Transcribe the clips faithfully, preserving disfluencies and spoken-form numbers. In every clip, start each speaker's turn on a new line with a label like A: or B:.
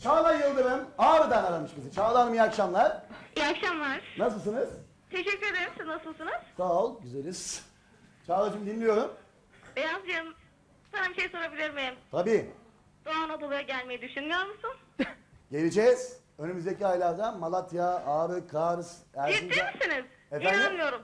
A: Çağla Yıldırım Ağrı'dan aramış bizi. Çağla Hanım iyi akşamlar.
B: İyi akşamlar.
A: Nasılsınız?
B: Teşekkür ederim. Siz nasılsınız?
A: Sağ ol, güzeliz. Çağla'cığım dinliyorum.
B: Beyazcığım, sana bir şey sorabilir miyim?
A: Tabii.
B: Doğu Anadolu'ya gelmeyi düşünmüyor musun?
A: Geleceğiz. Önümüzdeki aylarda Malatya, Ağrı, Kars,
B: Ciddi
A: Erzincan.
B: misiniz?
A: Efendim?
B: İnanmıyorum.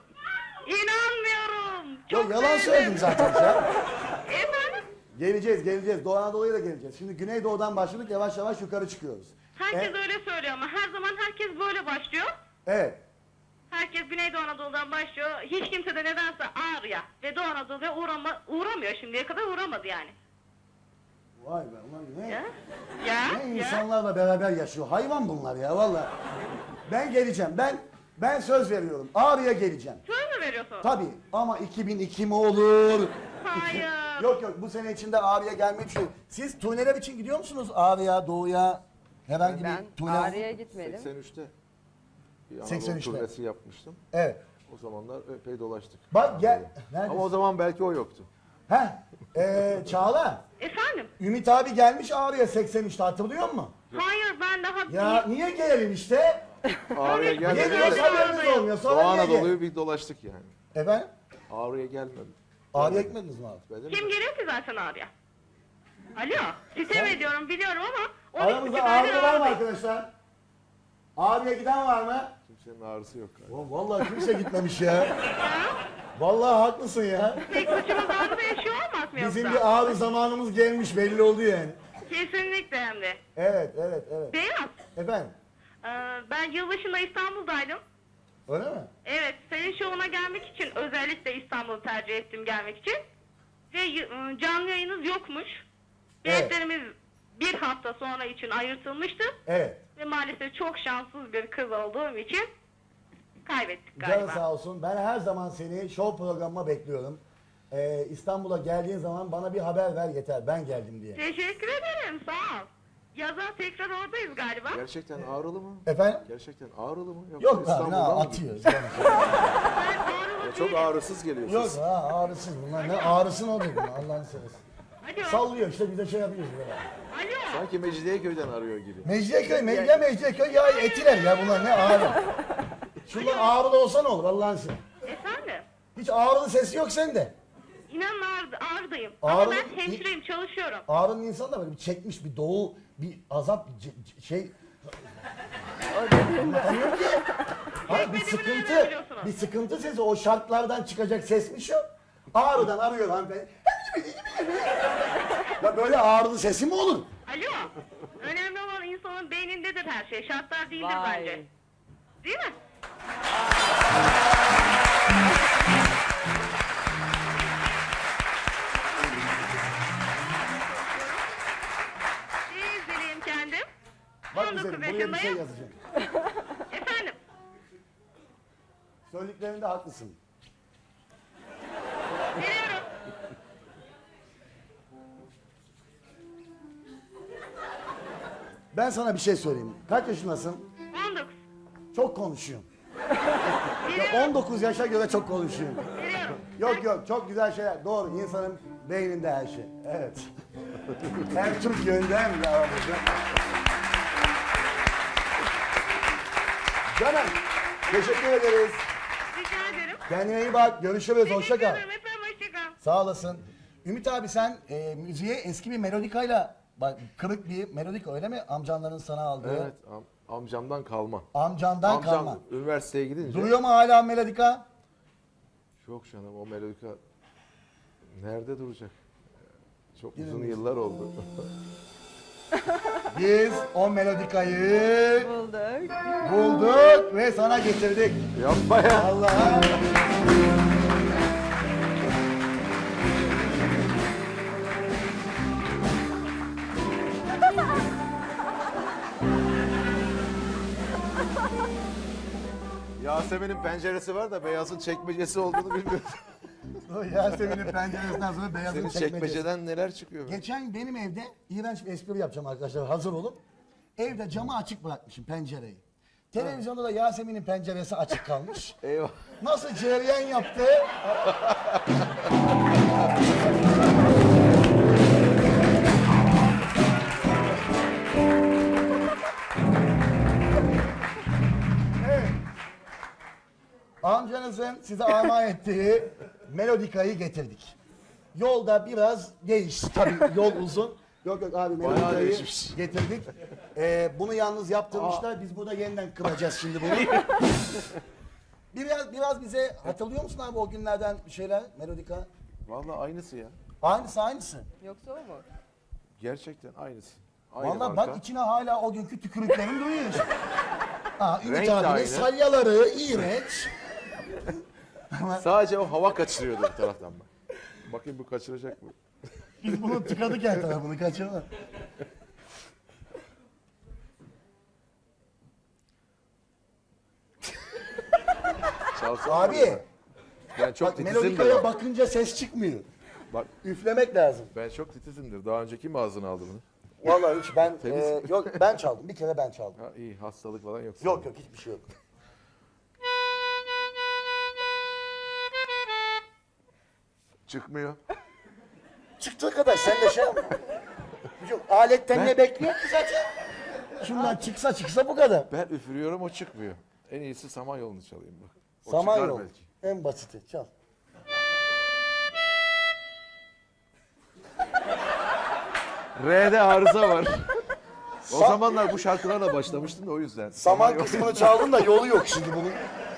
B: İnanmıyorum. Çok
A: Yok yalan
B: sevindim.
A: söyledim zaten ya.
B: Efendim?
A: Geleceğiz, geleceğiz. Doğu Anadolu'ya da geleceğiz. Şimdi Güneydoğu'dan başladık, yavaş yavaş yukarı çıkıyoruz.
B: Herkes
A: E,
B: öyle söylüyor ama her zaman herkes böyle başlıyor.
A: Evet.
B: Herkes Güneydoğu Anadolu'dan başlıyor. Hiç kimse de nedense Ağrı'ya ve Doğu Anadolu'ya uğrama, uğramıyor şimdiye kadar uğramadı yani.
A: Vay be, ulan ne?
B: Ya? Ya?
A: Ne
B: ya?
A: insanlarla beraber yaşıyor. Hayvan bunlar ya vallahi. Ben geleceğim. Ben ben söz veriyorum. Ağrı'ya geleceğim.
B: Söz mü veriyorsun?
A: Tabii ama iki bin iki mi olur?
B: Hayır.
A: Yok yok bu sene içinde Ağrı'ya gelmeyi düşünüyorum. Siz turneler için gidiyor musunuz Ağrı'ya, Doğu'ya? Herhangi
C: Ben
A: bir turne?
C: Ağrı'ya gitmedim.
D: seksen üçte bir Anadolu
A: seksen üçte.
D: turnesi yapmıştım.
A: Evet.
D: O zamanlar epey dolaştık.
A: Bak gel. Neredesin?
D: Ama o zaman belki o yoktu.
A: Heh. Ee, Çağla.
B: Efendim?
A: Ümit abi gelmiş Ağrı'ya seksen üçte hatırlıyor musun?
B: Hayır ben daha...
A: Ya niye gelelim işte?
D: Ağrı'ya
A: Niye
D: gelmedik.
A: geliyoruz haberiniz olmuyor. Sonra
D: Doğu
A: niye gel?
D: Anadolu'yu bir dolaştık yani.
A: Efendim?
D: Ağrı'ya gelmedim.
A: Ağrı'ya gitmediniz mi abi?
D: Benim
B: Kim geliyor ki zaten Ağrı'ya? Alo, sitem ediyorum biliyorum ama... on iki
A: Aramızda
B: aydır
A: Ağrı var mı
B: Ağrı'dayım.
A: arkadaşlar? Ağrı'ya giden var mı?
D: kimsenin ağrısı yok galiba.
A: Ulan vallahi kimse gitmemiş ya.
B: Ya,
A: Vallahi haklısın ya.
B: tek başımız Ağrı'da yaşıyor olmaz mı
A: Bizim
B: yoksa?
A: bir Ağrı zamanımız gelmiş belli oldu yani.
B: Kesinlikle hem de.
A: Evet, evet, evet.
B: Beyaz,
A: Efendim,
B: e, ben yılbaşında İstanbul'daydım.
A: öyle mi?
B: Evet, senin şovuna gelmek için özellikle İstanbul'u tercih ettim gelmek için. Ve y- e, canlı yayınız yokmuş.
A: Evet.
B: Biletlerimiz bir hafta sonra için ayırtılmıştı.
A: Evet.
B: Ve maalesef çok şanssız bir kız olduğum için kaybettik
A: Canı
B: galiba.
A: sağ olsun. Ben her zaman seni show programıma bekliyorum. Ee, İstanbul'a geldiğin zaman bana bir haber ver yeter. Ben geldim diye.
B: Teşekkür ederim, sağ ol. Yaza tekrar oradayız galiba.
D: Gerçekten Ağrılı mı?
A: Efendim?
D: Gerçekten Ağrılı mı? Yoksa
A: Yok abi, ne
D: İstanbul'dan mı
A: atıyor.
D: gidiyor?
B: Ben
D: Ya
B: Ağrılı
D: çok
B: değilim.
D: ağrısız geliyor
A: Yok
D: siz.
A: ha ağrısız bunlar. Ne ağrısın o dedi. Allah'ını seversen.
B: Alo,
A: Sallıyor işte bize şey yapıyoruz böyle.
B: alo.
D: Sanki Mecidiyeköy'den arıyor gibi.
A: Mecidiyeköy, me ya Mecidiyeköy ya Etiler ya bunlar ne ağrı. Şunlar ağrılı olsa ne olur Allah'ın seni.
B: Efendim,
A: Hiç ağrılı sesi yok sende.
B: inanın Ağrı, Ağrı'dayım.
A: Ağrı-
B: Ama ben hemşireyim, çalışıyorum.
A: Ağrı'nın insanı da böyle bir çekmiş bir doğu, bir azap, bir ce- ce- şey... Anlatamıyorum ki. Hayır, bir
B: Çekmediğimi
A: sıkıntı,
B: nereden biliyorsunuz?
A: bir sıkıntı sesi, o şartlardan çıkacak sesmiş o. Ağrı'dan arıyor hanımefendi. Ya böyle ağrılı sesi mi olur?
B: Alo, önemli olan insanın beynindedir her şey. Şartlar değildir
C: Vay.
B: bence. Değil mi? Bir izleyeyim kendim.
A: Bak
B: on dokuz
A: güzelim, buraya bir şey
B: yaşındayım.
A: yazacağım.
B: Efendim,
A: Söylediklerinde haklısın.
B: veriyorum.
A: Ben sana bir şey söyleyeyim. Kaç yaşındasın?
B: on dokuz.
A: Çok konuşuyorsun.
B: Veriyorum,
A: Ya on dokuz yaşa göre çok konuşuyorsun.
B: veriyorum.
A: Yok yok çok güzel şeyler. Doğru insanın beyninde her şey. Evet. Hem Türk yönünde hem de aramızda. Canım teşekkür ederiz.
B: Rica ederim.
A: Kendine iyi bak. Görüşürüz. Hoşça
B: Teşekkür
A: kal.
B: ederim. Efendim, hoşça kal.
A: Sağ olasın. Ümit abi sen e, müziğe eski bir melodikayla bak kırık bir melodika öyle mi? Amcanların sana aldığı.
D: Evet, am- amcamdan kalma.
A: Amcandan
D: Amcam
A: kalma.
D: üniversiteye gidince...
A: Duruyor mu hala melodika?
D: Yok canım, o melodika nerede duracak? Çok uzun yıllar oldu.
A: Biz o melodikayı
C: Bulduk.
A: bulduk ve sana getirdik.
D: Yapma ya.
A: Allah.
D: Yasemin'in penceresi var da Beyaz'ın çekmecesi olduğunu bilmiyorum.
A: O Yasemin'in penceresinden sonra beyazın
D: Senin
A: çekmecesi.
D: çekmeceden neler çıkıyor?
A: Geçen benim evde iğrenç bir espri yapacağım arkadaşlar hazır olun. Evde camı açık bırakmışım pencereyi. Televizyonda da Yasemin'in penceresi açık kalmış.
D: Eyvah.
A: Nasıl cereyan yaptı? Amcanızın size armağan ettiği melodikayı getirdik. Yolda biraz değişti. Tabii yol uzun. Yok yok abi melodikayı
D: değişmiş.
A: getirdik. Ee, bunu yalnız yaptırmışlar. Biz burada yeniden kıracağız şimdi bunu. biraz biraz bize hatırlıyor musun abi o günlerden bir şeyler melodika?
D: Vallahi aynısı ya.
A: Aynısı aynısı.
C: Yoksa o mu?
D: Gerçekten aynısı. Aynı
A: Vallahi
D: marka.
A: bak içine hala o günkü tükürüklerin duyuyor. Aa, Ümit
D: Renk de
A: abinin
D: aynı.
A: salyaları iğrenç.
D: Sadece o hava kaçırıyordu bir taraftan bak. Bakayım bu kaçıracak mı?
A: Biz bunu tıkadık her tarafını kaçırma.
D: Çalsana
A: Abi
D: orada. Ben çok
A: bak
D: titizimdir.
A: melodikaya
D: Bak.
A: bakınca ses çıkmıyor.
D: bak
A: Üflemek lazım.
D: ben çok titizimdir. Daha önce kim ağzına aldı bunu?
A: Vallahi hiç ben
D: Temiz.
A: e, yok ben çaldım. Bir kere ben çaldım.
D: Ha, iyi hastalık falan yok.
A: Yok yok hiçbir şey yok.
D: Çıkmıyor.
A: Çıktığı kadar sen de şey yapma. Yok, aletten ne bekliyor ki zaten? Şundan çıksa çıksa bu kadar.
D: Ben üfürüyorum o çıkmıyor. En iyisi Samanyolu'nu çalayım bak. O
A: Samanyolu.
D: çıkar belki.
A: En basiti çal.
D: R'de arıza var. O
A: Sa-
D: zamanlar bu şarkılarla başlamıştım da o yüzden.
A: Saman
D: Samanyolu-
A: kısmını çaldın da yolu yok şimdi bunun.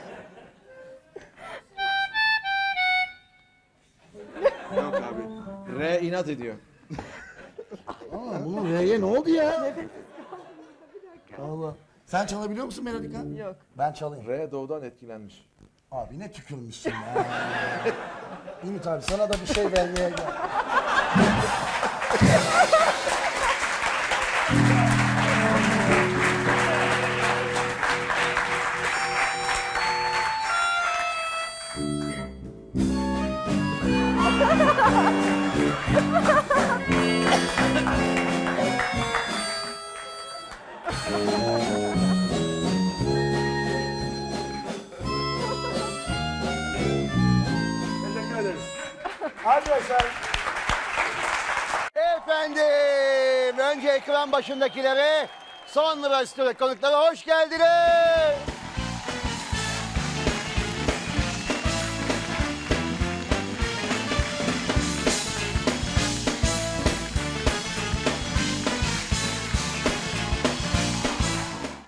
D: Yok abi. R inat ediyor.
A: Aa, bunun R'ye ne oldu ya? Allah. Sen çalabiliyor musun melodika?
C: Yok.
A: Ben çalayım.
D: R doğudan etkilenmiş.
A: Abi ne tükürmüşsün ya. Ümit abi sana da bir şey vermeye gel. Teşekkür ederiz. Arkadaşlar. Efendim, önce ekran başındakilere, sonra stüdyo konuklara hoş geldiniz.